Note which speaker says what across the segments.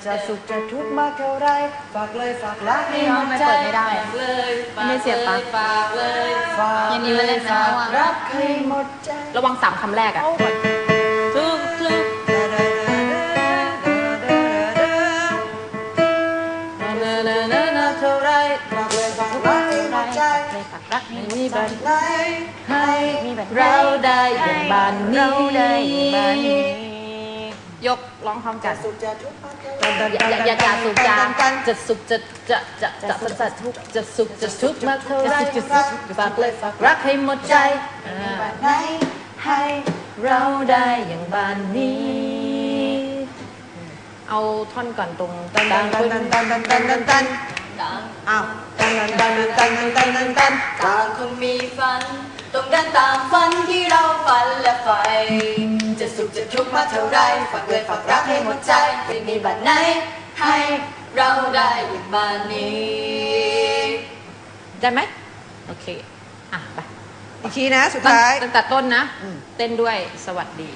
Speaker 1: จะสุขจะทุกข์มากเท่าไรฝากเลยฝากรักให้หมดใจ
Speaker 2: ไม่ได้
Speaker 1: เลยฝาก
Speaker 2: ไม่เสียบปะ
Speaker 1: ฝากเลยฝาก
Speaker 2: อย่างนี้มันเล่นนะ
Speaker 1: ฝาก
Speaker 2: ระวัง
Speaker 1: รักให้หมดใจ
Speaker 2: ระวัง3 คำแรกอ่ะทุก
Speaker 1: เท่าไรฝากเลยฝากรักให้หมดใจ
Speaker 2: เลยฝากรักให้มี
Speaker 1: บั
Speaker 2: บั
Speaker 1: น
Speaker 2: น
Speaker 1: ไหนให้
Speaker 2: มีบัน
Speaker 1: เราได้อย่างบ้านนี้
Speaker 2: เราได้อย่างบ้านนี้ยกร้องพร้อมกัน
Speaker 1: สุขจะทุกข์มากเท่าไร
Speaker 2: อย่าสูบจาจะสุขจะทุกข์จะสุขจะทุกข์มากเท่าไรฝากเลยฝากรักให้หมดใจ
Speaker 1: ไหนให้เรา
Speaker 2: เราได้อย่างบ้านนี้ เอาท่อนก่อนตรง
Speaker 1: ตันตันตันตันตันตันตันตันอ้าวตันตันตันตันตันตันตัน
Speaker 3: ต่างคนมีฝันต้องเดินตามฝันที่เราฝันและใฝ่จะสุขจะทุกข์มาเท่าไรฝากเลยฝากรักให้หมดใจไม่มีบัดไหนให้เราได้อย่างบ้านนี้
Speaker 2: ได้ไหมโอเคอ่ะไป
Speaker 1: อีกทีนะสุดท้าย
Speaker 2: ตั้งแต่ต้นนะ เต้นด้วยสวัสดี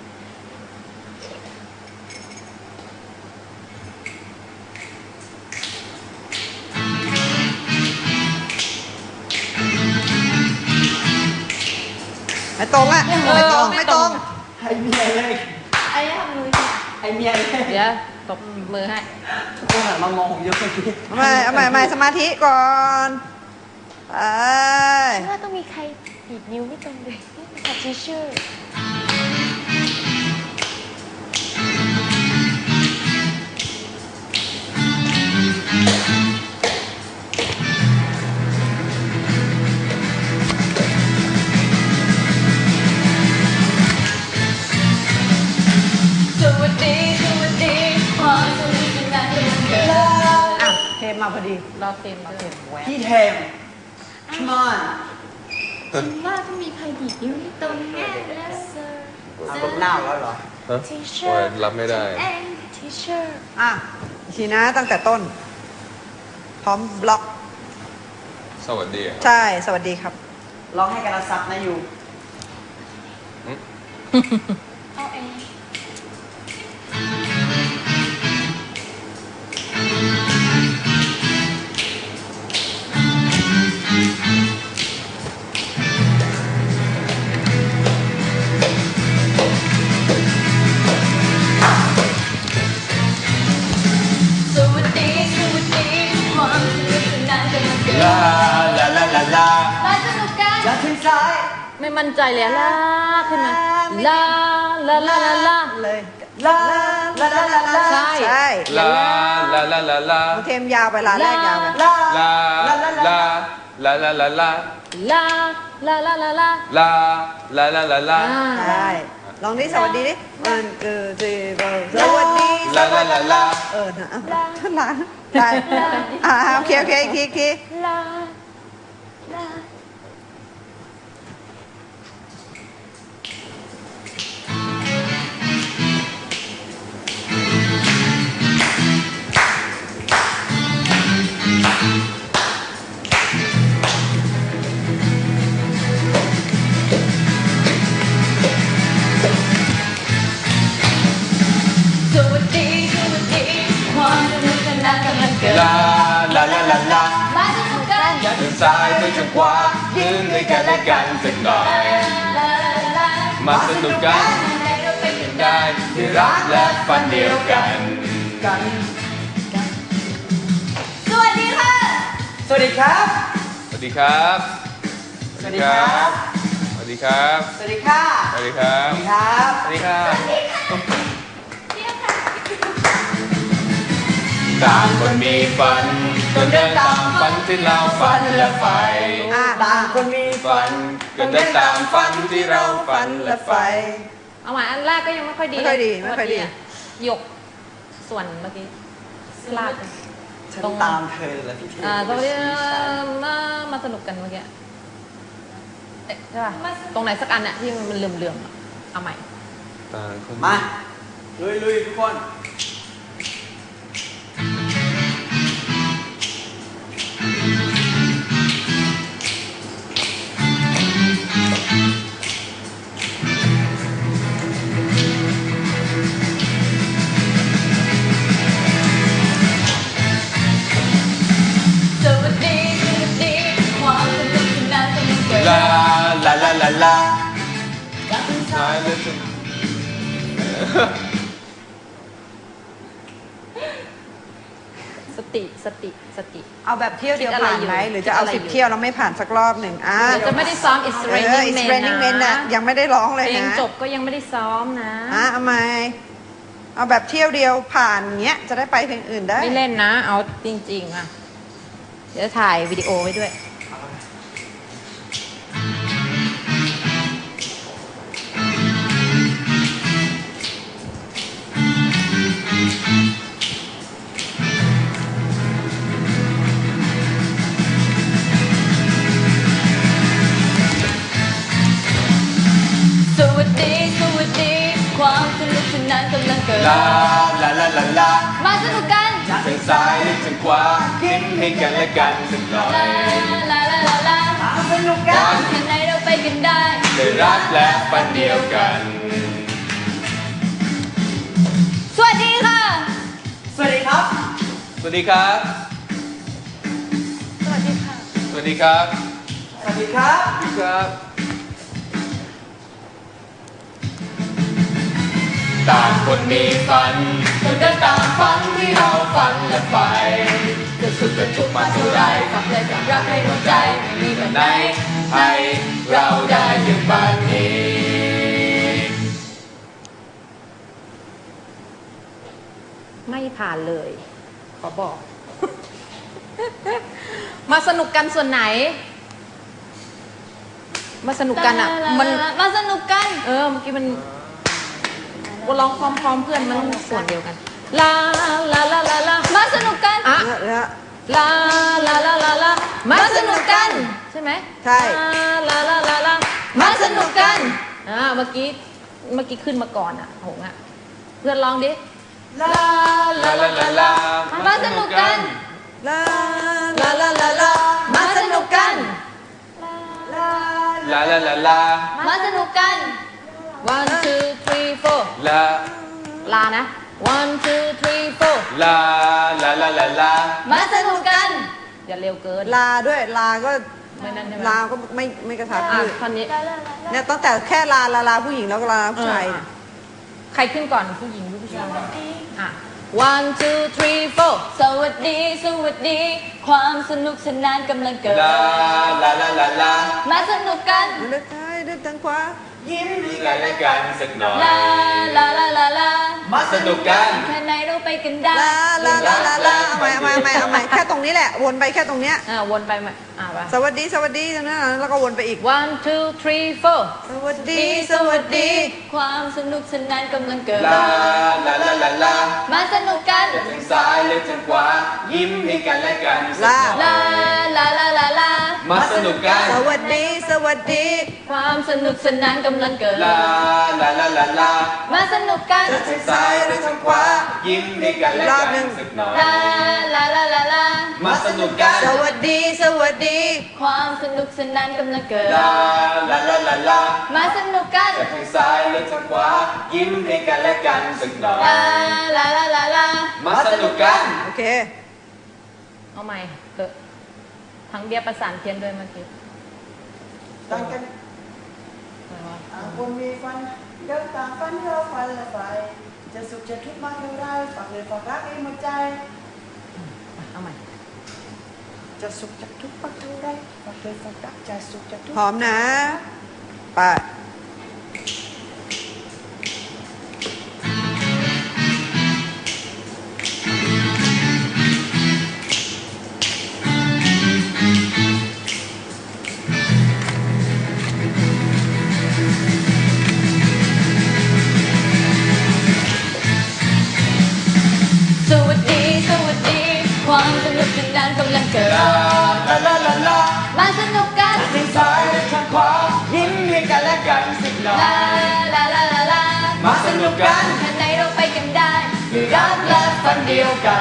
Speaker 1: ไม่ตรงอ่ะไม่ตรงไม่ตรง
Speaker 4: ให้เมียเลย
Speaker 3: ไอ้ทำมือ
Speaker 4: ให้เมียเลย
Speaker 2: เดี๋ยวตบมือให้
Speaker 4: ทุกคนหันมามองผมเยอะเมื่อกี้
Speaker 1: เอาใหม่สมาธิก่อนไป
Speaker 3: ว่าต้องมีใครบีบนิ้วไม่ตรงเลยขอทิชชู่ สวัสดีความสนุกสนานกันวันเกิด
Speaker 1: อ่ะเทมมาพอดี
Speaker 2: รอเต็มเลย
Speaker 4: พี่เทม come on
Speaker 3: ฉันว่าต้องมีใครบีบนิ้วไม่ตรงแน่แล้วเซอร์
Speaker 4: เอาลบหน้าแล้วเหรอ
Speaker 5: ฮะ
Speaker 3: ทีเชิ
Speaker 5: โอ้ย
Speaker 3: ร์
Speaker 5: รับไม่ได้
Speaker 3: เองทีเชิร์
Speaker 1: อ่ะอีกทีนะตั้งแต่ต้น พร้อมบล็อก
Speaker 5: สวัสดีครับ
Speaker 1: ใช่สวัสดีครับ
Speaker 4: ร้องให้กันซับนะอยู่
Speaker 3: เอาเอง สวัสดีความสนุกสนานกันวันเกิด
Speaker 4: ลาลาลาลาลา
Speaker 3: มาสนุกกัน
Speaker 4: แล้วขึ้นซ้าย
Speaker 2: ไม่มั่นใจเลยลาขึ้นมาลาลาลาลาลา
Speaker 1: เลย
Speaker 4: ลาลาลาลาลา
Speaker 2: ใช่
Speaker 1: ใช่
Speaker 5: ลาลาลาลาลา
Speaker 1: เทมยาวไปลาแรกยาวไป
Speaker 4: ลา
Speaker 5: ลาลาลาลาลาลา
Speaker 2: ลาลาลาลาลา
Speaker 5: ลาลาลาลาลา
Speaker 1: ใช่ลองดิสวัสดีดิมันสวัสดี
Speaker 5: ลาลาลาลา
Speaker 1: นะท่านหลานได้โอเคอีกที
Speaker 3: ลาลา สวัสดีความสนุกสนานกันวันเกิด
Speaker 5: ลาลาลาลาลา
Speaker 3: มาสนุกกัน
Speaker 5: อย่าเดินซ้ายไปทางขวายืนด้วยกันและกันสักหน่อย
Speaker 3: ลาลา
Speaker 5: มาสนุกกัน
Speaker 3: ใจเราไปกัน
Speaker 5: ได้ที่รักและฝันเดียวกัน
Speaker 4: กัน
Speaker 3: สวัสดีค่ะ
Speaker 4: สวัสดีครับ
Speaker 5: สวัสดีครับ
Speaker 4: สวัสดีครับ
Speaker 5: สวัสดีครับ
Speaker 4: สวัสดีค่ะ
Speaker 5: สวัสดีครับ
Speaker 4: สวัสดีครับ
Speaker 5: สวัสดีครับ
Speaker 3: เนี่ยค่ะ
Speaker 5: ต่างคนมีฝันต้องเดินตามฝันที่เราฝันและใฝ่
Speaker 4: ต่างคนมี
Speaker 5: ฝันก็เดินตามฝันที่เราฝันและใฝ่
Speaker 2: เอาใหม่อันแรกก็ยังไม่ค่อยดี
Speaker 1: ไม่ค่อยดีไม่ค่อยดี
Speaker 2: หยกส่วนเมื่อกี้ลากไป
Speaker 4: ฉันตามเธอแล้วพี่เทม
Speaker 2: ตรงนี้มาสนุกกันเมื่อกี้เอ๊ะใช่ป่ะตรงไหนสักอันเนี่ยที่มันเหลื่อมๆอะเอาใหม่
Speaker 5: ต่างคน
Speaker 4: มาลุยทุกคน
Speaker 2: สติสติสติ
Speaker 1: เอาแบบเที่ยวเดียวผ่านไหม
Speaker 2: คิดอะไรอยู่
Speaker 1: หรือจะเอา
Speaker 2: คิดอะไรอยู่
Speaker 1: 10 เที่ยวแล้วไม่ผ่านสักรอบหนึ่ง
Speaker 2: เดี๋ยวจะไม่ได้ซ้อม It's
Speaker 1: It's
Speaker 2: Raining
Speaker 1: Raining Men
Speaker 2: Men
Speaker 1: นะยังไม่ได้ร้องเลย
Speaker 2: เพลง
Speaker 1: นะ
Speaker 2: จบก็ยังไม่ได้ซ้อมนะ
Speaker 1: เอาไหมเอาแบบเที่ยวเดียวผ่านเงี้ยจะได้ไปเพลงอื่นได้
Speaker 2: ไม่เล่นนะ เอาจริงๆอ่ะ เดี๋ยวถ่ายวิดีโอไว้ด้วย
Speaker 3: สวัสดีสวัสดีความสนุกสนานกำลังเกิด
Speaker 5: ลาลาลาลาลา
Speaker 3: มาสนุกกัน
Speaker 5: ทางซ้ายหรือทางขวายิ้มให้กันและกันสักหน่อย
Speaker 3: ลาลาลาลาลา
Speaker 1: สนุกกัน
Speaker 3: แค่ไหนเราไปกันได้
Speaker 5: ได้รักและฝันเดียวกัน
Speaker 3: สวัสดีค่ะ
Speaker 4: สวัสดีครับ
Speaker 5: สวัสดีครับ
Speaker 3: สวัสดีค่ะ
Speaker 5: สวัสดีครับ
Speaker 4: สวัสดีครับ
Speaker 5: สวัสดีครับ ต่างคนมีฝันต้องเดินตามฝันที่เราฝันและใฝ่จะสุขจะทุกข์มาเท่าไร
Speaker 3: ฝากเลยกับรักให้หัวใจไม่มีวัน
Speaker 5: ไห
Speaker 3: ไห
Speaker 5: น
Speaker 3: น
Speaker 5: ให้เราได้อย่างบ้านนี้
Speaker 2: ไม่ผ่านเลย ขอบอก มาสนุกกันส่วนไหน มาสนุกกันอ่ะ มัน
Speaker 3: มาสนุกกัน
Speaker 2: เมื่อกี้มันว่าร้องพร้อมๆเพื่อนมันส่วนเดียวกัน ลาลาลาลาลา
Speaker 3: มาสนุกกัน
Speaker 2: อ่ะ
Speaker 1: แล้ว
Speaker 2: ลาลาลาลาลามาสนุกกัน ใช่ไหม
Speaker 1: ใช่
Speaker 2: ลาลาลาลา
Speaker 3: มาสนุกกัน
Speaker 2: เมื่อกี้ขึ้นมาก่อนอ่ะหงอ่ะ เพื่อนร้องดิ
Speaker 1: ลา
Speaker 5: ลาลาลาลา
Speaker 3: มาสนุกกัน
Speaker 1: ลาลาลาลาลา
Speaker 3: มาสนุกกัน
Speaker 1: ลา
Speaker 5: ลาลาลาลา
Speaker 3: มาสนุกกัน
Speaker 2: one two three four
Speaker 5: ลา
Speaker 2: ลานะ one two three four
Speaker 5: ลาลาลาลาลา
Speaker 3: มาสนุกกัน
Speaker 2: อย่าเร็วเกิน
Speaker 1: ลาด้วยลาก็
Speaker 2: ไม่นั่นใช่ไหม
Speaker 1: ลาก็ไม่กระทับ
Speaker 2: อ่ะ
Speaker 1: คือ
Speaker 2: ท่อนนี้
Speaker 1: เนี่ยตั้งแต่แค่ลาลาลาผู้หญิงแล้วก็ลาผู้ชาย
Speaker 2: ใครขึ้นก่อนผู้หญิงหรือผู้ชายอ่ะ one two three four
Speaker 3: สวัสดีสวัสดี ความสนุกสนานกำลังเกิด
Speaker 5: ลาลาลาลาลา
Speaker 3: มาสนุกกัน
Speaker 1: เลือกซ้ายเลือกทางขวา
Speaker 4: ยิ้มให้
Speaker 5: ให้กันและกันสักหน่อย
Speaker 3: ลาลาลาลาลา
Speaker 5: มาสนุกกัน
Speaker 3: แค่ไหนเราไปกันได้
Speaker 1: ลาลาลาลาลาเอาใหม่เอาใหม่แค่ตรงนี้แหละวนไปแค่ตรงเนี้ย
Speaker 2: วนไปใหม่ไป
Speaker 1: สวัสดีตรงนั้นแล้วก็วนไปอีก
Speaker 2: one two three four
Speaker 1: สวัสดีสวัสดี
Speaker 3: ความสนุกสนานกำลังเกิด
Speaker 5: ลาลาลาลาลา
Speaker 3: มาสนุกกัน
Speaker 5: จะทางซ้ายหรือทางขวายิ้มให้กันและกันสักห
Speaker 3: ลา
Speaker 5: น่อย
Speaker 3: ลาลาลาลา
Speaker 5: มาสนุกกัน
Speaker 1: สวัสดีสวัสดี
Speaker 3: ความสนุกสนานกำลังเกิด
Speaker 5: ลาลาลาลาลา
Speaker 3: มาสนุกกัน
Speaker 5: จะทางซ้ายหรือทางขวายิ้มให้กันและกันสักหน่อย
Speaker 3: ลาลาลาลาลา
Speaker 5: มาสนุกกัน
Speaker 1: สวัสดีสวัสดี
Speaker 3: ความสนุกสนานกำลังเกิด
Speaker 5: ลาลาลาลาลา
Speaker 3: มาสนุกกัน
Speaker 5: จะทางซ้ายหรือทางขวายิ้มให้กันและกันสักหน่อย
Speaker 3: ลาลาลาลาลา
Speaker 5: มาสนุกกัน
Speaker 1: โอเค
Speaker 2: เอาใหม่เถอะทั้งเบียร์ประสานเพี้ยนด้วยเมื่อกี้
Speaker 4: ต่างกันต่างคนมีฝันเดินตามฝันที่เราฝันและใฝ่จะสุขจะทุกข์มากเท่าไรฝากเลยฝากรักให้หมดใจ
Speaker 2: เอาใหม่
Speaker 4: จะสุขจะทุกข์มากเท่าไรฝากเลยฝากรักจะสุขจะทุกข์
Speaker 1: พร้อมนะไป
Speaker 3: สวัสดีสวัสดี ความสนุกสนานกำลังเกิด
Speaker 5: ลาลาลาลาลา
Speaker 3: มาสนุกกัน
Speaker 5: ทางซ้ายหรือทางขวายิ้มให้กันและกันสักหน่อ
Speaker 3: ลาย ลาลาลาลา
Speaker 5: มาสนุกกัน
Speaker 3: แค่ไหนเราไปกันได้
Speaker 5: ด้วยรักและฝันเดียวกัน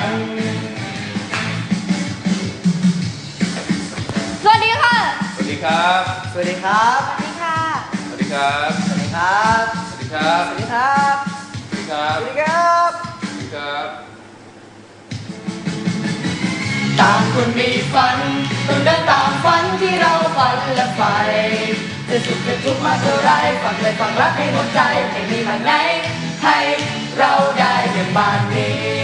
Speaker 3: สวัสดีค่ะ
Speaker 5: สวัสดีครับ
Speaker 4: สวัสดีครับ
Speaker 3: สวัสดีค่ะ
Speaker 5: สวัสดีครับ
Speaker 4: สวัสดีครับ
Speaker 5: สวัสดีครับ
Speaker 4: สวัสดีครับ
Speaker 5: สวัสดีครับ
Speaker 4: สวัสดีครับ
Speaker 5: สวัสดีครับ ต่างคนมีฝันต้องเดินตามฝันที่เราฝันและใฝ่
Speaker 3: จะสุขจะทุกข์มาเท่าไรฝากเลยฝากรักให้หมดใจไม่มีวันไหนให้เราได้อย่างบ้านนี้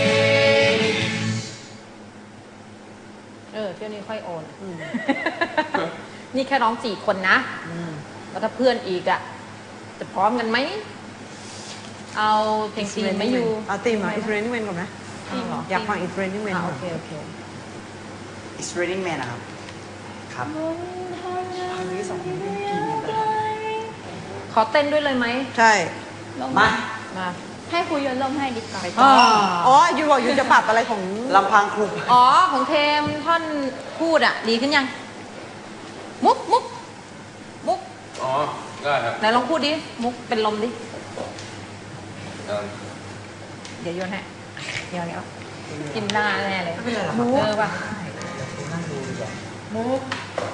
Speaker 2: เที่ยวนี้ค่อยโอนนี่แค่น้อง4 คนนะแล้วถ้าเพื่อนอีกอ่ะจะพร้อมกันไหมเอาเพลงตีนไม่อยู่
Speaker 1: เอาตีมอ่ะ It's Raining Men ก่อนไหมอยากฟัง It's Raining Men
Speaker 2: โอเค
Speaker 4: It's Raining Man นะครับครับเพลงนี้2เพลงที่กินกันไป
Speaker 2: ขอเต้นด้วยเลยไหม
Speaker 1: ใช่
Speaker 4: มา
Speaker 2: มา
Speaker 3: ให้ครูโยนร่มให้ดีกว่า
Speaker 1: อ๋อยูบอกยูจะปรับอะไรของ
Speaker 4: ลำพังครู
Speaker 2: อ๋อของเทมท่อนพูดอ่ะดีขึ้นยังมุก
Speaker 5: อ๋อ ได้ครับ
Speaker 2: ไหนลองพูดดิมุกเป็นลมดิ
Speaker 5: เอิ่ม
Speaker 2: เดี๋ยวโยนให้เดี๋ยวกินหน้าแน่เลย
Speaker 4: ไม่เป็นไรหรอ
Speaker 2: ป่ะ
Speaker 4: นั่งดูดีกว่า
Speaker 1: มุก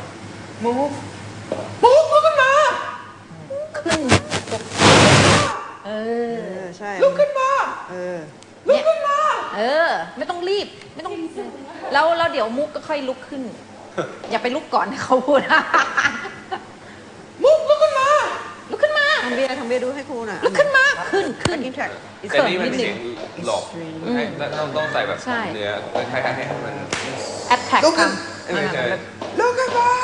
Speaker 4: ขึ้นมา
Speaker 2: ขึ้นเออ
Speaker 1: ใช่
Speaker 4: ลุกขึ้นมา
Speaker 2: ลุกขึ้นมาไม่ต้องรีบไม่ต้องแล้วเดี๋ยวมุกก็ค่อยลุกขึ้น อย่าไปลุกก่อนให้เขาพูด
Speaker 4: มุกลุกขึ้นมา
Speaker 2: ลุกขึ้นมา
Speaker 1: ทำเบียร์ดูให้ครูหน่อย
Speaker 2: ลุกขึ้นมาขึ้น
Speaker 1: กินแทร็ก
Speaker 5: แต่นี่มันเสียงหลอกให้ต้องใส่แบบ
Speaker 2: ใช่
Speaker 5: เนื้อให้มัน
Speaker 2: แอดแท็ก
Speaker 4: ลุกขึ้น
Speaker 5: ไม่ใช่
Speaker 4: ลุกขึ้นมา